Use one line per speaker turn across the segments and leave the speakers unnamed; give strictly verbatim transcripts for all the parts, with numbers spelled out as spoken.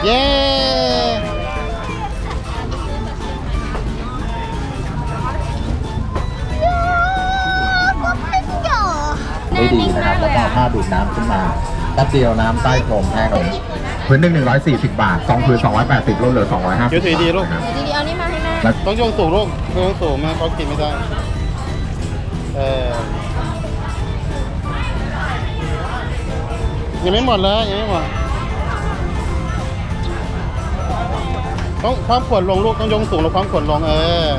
เย้ได้ดีนะครับแล้วก็ผ้าดูดน้ำขึ้นมาแป๊บเดียวน้ำใต้พรมแห้งลงพื้นหนึ่งหนึ่งร้อยสี่สิบบาทสองพื้นสองร้อยแปดสิบลดเหลือสองร้อยห้าสิบเดี๋ยวถือดีลูก
ดีๆเอานี่มาให้แม่
ต้องยกสูงลูกต้องยกสูงแม่เขากินไม่ได้เออยังไม่หมดเลยยังไม่หมดต้องความขวดลงลูกต้องยกสูงแล้วความขวดลงเออ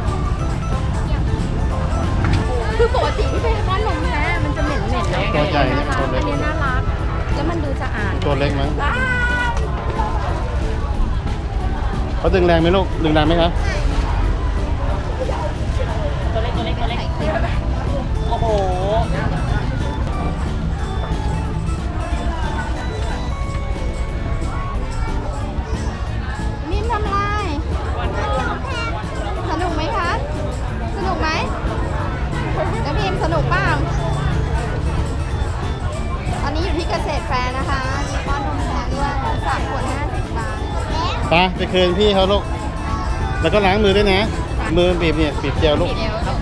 คือปกติที่เป็นก้อนนมแท้มันจะเหม็นเหม็นนะ
ตัวใหญ่
ตัวเล็กอันนี้น่ารักแล้วมันดูสะอาด
ตัวเล็กมั้งเขาดึงแรงไหมลูกดึงแรงไหมครับ
ตัวเล็กตัวเล็กตัวเล็กโอ้โหนิ่มทำไรสนุกไหมคะสนุกไหมแล้วพิมสนุกเปล่าตอนนี้อยู่ที่เกษตรแฟร์นะคะมีก้อนนมแท้ด้วยสามขวดห้าสิบบาท
ไปไปคืนพี่เขาลูกแล้วก็ล้างมือด้วยนะมือบีบเนี่ยบีบเจลลูก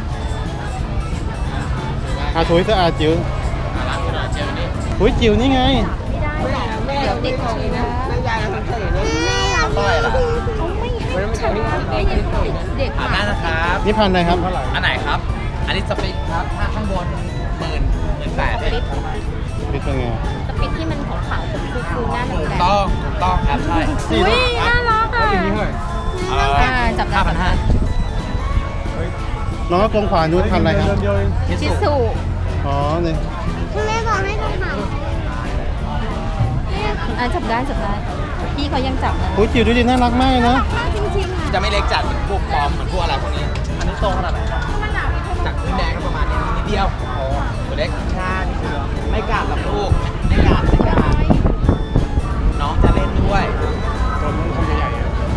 อาถุยสะอาดจิ๋วถุยจิ๋วนี่ไง
ไม่ได้เดี๋ยวติดเชื้อไม่ยายเราทำเฉยเลยไม่ได้หรอเขาไม่ให้เด็ก
ผ่านได้นะครับ
นี่พันอะไรครับ
อันไหนครับอันนี้สปิดครับถ้าข้างบนหมื่นหมื่นแปด
ปิด
ปิดเป็นไง
สปิดที่มันขาวๆเป็นฟูๆหน้าแดง
ถูกต้องถูกต้องครับใช่
อุ้ยน่ารักอ่ะจับได้พันห้า
น้องก็กลมขวานู้นพันอะไรครับ
ชิสุ
อ๋อเนี่ย
คุณแม่บอกให้จับหางอ่ะจับได้จับได้พี่เขายังจับเลย
โอ้ยจิ๋วดูดิน่ารักมากนะ
น่ารักมากจริงๆ
จะไม่เล็กจัดเหมือนพวกปอมเหมือนพวกอะไรพวกนี้อันนี้โตขนาดไหนครับจากพื้นแดงก็ประมาณนี้นิดเดียวโอ้ตัวเล็กชานี่คือไม่กัดหรอกลูกไม่กัดไม่กัดน้องจะเล่นด้วย
ตัวมันคงใหญ่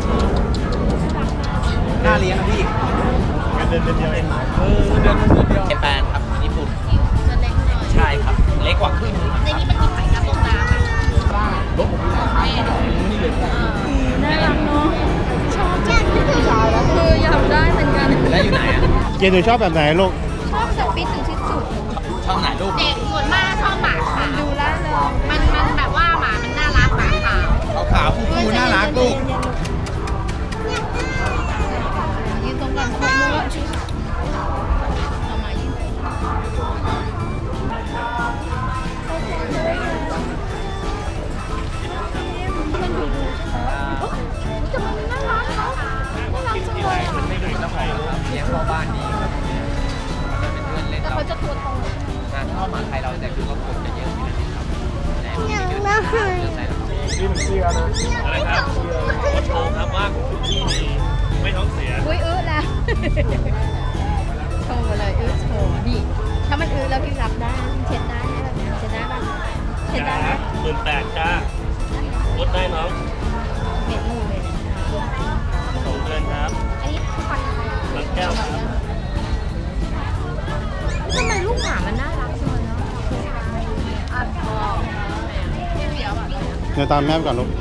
ๆน่าเลี้ยงพี่
เดินเดินเดียวเอง
เออเดินเดินเดียวเจแปนครับญี่ปุ่น
จะเล็กหน่อย
ใช่ครับเล็กกว่าครึ่ง
ในนี้มันมีไข่กระป๋องน้ำไหม
บ้างรถผมมีหลายคันนี่เลย
น่ารักเนาะชอบจังคืออยากได้เหมือนกัน
แล้วอยู่ไหนอ่ะ
เจนหนูชอบแบบไหนลูก
ชอบสปิดหรือชิสุ
ชอบไหนลูก
เด็กส่วนมากชอบหมาขาวดูล่าเลยมันมันแบบว่าหมามันน่ารักหมาขาว
ขาวฟูฟูน่ารักลูก
ยืนตรงกันครบมือชุดเอามายืนมันดูดูใช่ไหมแต่มันน่ารักเขาน่ารักจังเลยอ่ะ
ไม่ดูเจ้าของครับเลี้ยงพ่อบ้านดีครับมันเป็นเพื่อนเล่น
แต่เขาจะตัวโต
งานเข้ามาไทยเราแต่คือก็คนจะเยอะอยู่นะครับ
ยังน่าหาย
นี่มันเสียนะ
อะไรครับโชว์ครับว่าที่นี่ไม่ท้องเสีย
อุ้ยอื้อแล้วโชว์เลยอื้อโชว์ดิถ้ามันอื้อแล้วพี่รับได้เช็ดได้แบบนี้เช็ดได้ป่ะเช็ดได้ไหม
หมื่นแปดจ้าลดได้น้อง
เม็ดมือเลย
สองเดือนครับ
อันนี้ฟันอะไร
ฟันแก้วครับ
ทำไมลูกหมามันน่ารักจังเลยเนาะ
เดี๋ยวตามแม่ก่อนลูก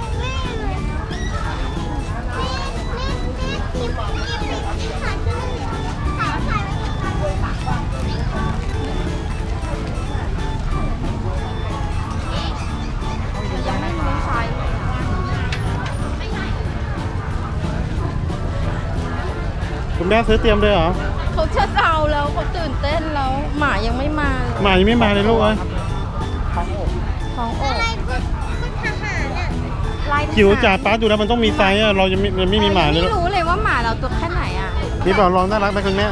คุณแม่ซื้อเตรียมเลยเหรอ
เขาเช็ดเอาแล้วเขาตื่นเต้นแล้วหมายังไม่มาเลย
หมายังไม่มาเลยลูกเอ้ย
ท้องอกท้องอก
จิ๋วจ่าป้าดูแล้วมันต้องมีไซส์อะเรายังไม่ไม่มีหมาเลย
ไม่รู้เลยว่าหมาเราตัวแค่ไหนอ่ะ
นี่บอกลองน่ารักไหมคุณแม่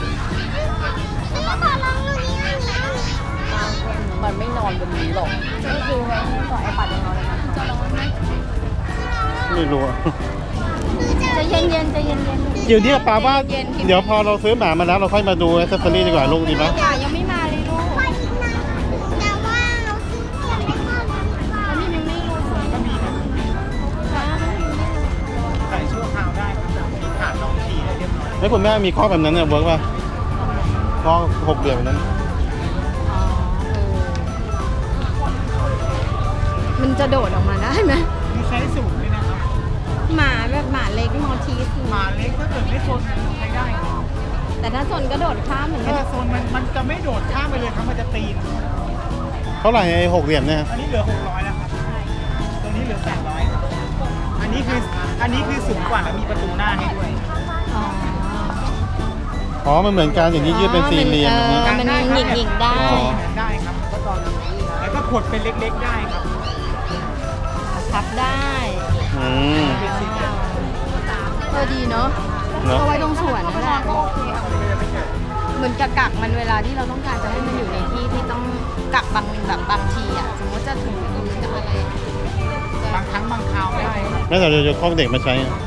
มันไม่นอนบนนี้หรอกจะดูไงต่อไอปัดยังนอนเลยนะจะนอนไหม
ไม่รู้อะ
จะเย็นเย็นจะเย็นเย็น
จิ๋วเนี่ยป้าว่าเดี๋ยวพอเราซื้อหมามาแล้วเราค่อยมาดูแอคเซสซอรี่ดีกว่าลูกดีไหม
ยังไม่มาเลยลูกแต่ว่าเราซื้อแล้วนี่ยังไม่รู้ก็มีนะ
ใส่ชั่วคราวได้ครับมีขาดน้องขี่ได้เรียบร้อย
แล้วคุณแม่มีข้อแบบนั้นเนี่ยเวิร์กป่ะข้อหกเดือนนั้น
มันจะโดดออกมาได้ไหม
มีไซส์สูง
ไม่โซนใช้ได้
แต่ถ้าโซนก็โดดข้ามเหมือน
ถ้า
กัน
โซนมันมันจะไม่โดดข้ามไปเลยครับมันจะตีน
เท่าไหร่ไอ้หกเหลี่ยมเนี่ย
อันนี้เหลือหกร้อยแล้วครับตัวนี้เหลือแปดร้อยอันนี้คืออันนี้คือสูงกว่าแล้วมีประตูหน้าให้ด้วย
อ๋อ
อ๋อมันเหมือนกันอย่างนี้ยืดเป็นสี่เหลี่ยมอย่างนี้
เออมันหยิกๆได้
อ๋อ
ได้ครับก็ตอนแล้วก็ขดเป็นเล็กๆได้ครับ
พับได้
อืม
เป็นสี่เหลี่ยม
เออดีเนาะ
เนอะ
ก็ไว้ตรงสวนนั่นแหละเหมือนกับกักมันเวลาที่เราต้องการจะให้มันอยู่ในที่ที่ต้องกักบางแบบบางทีอ่ะ สมมติจะถูพื้นจะอะไร
บางครั้งบางคราวได้
แม่แต่เดี๋ยวจะคล้องเด็กมาใช้อะ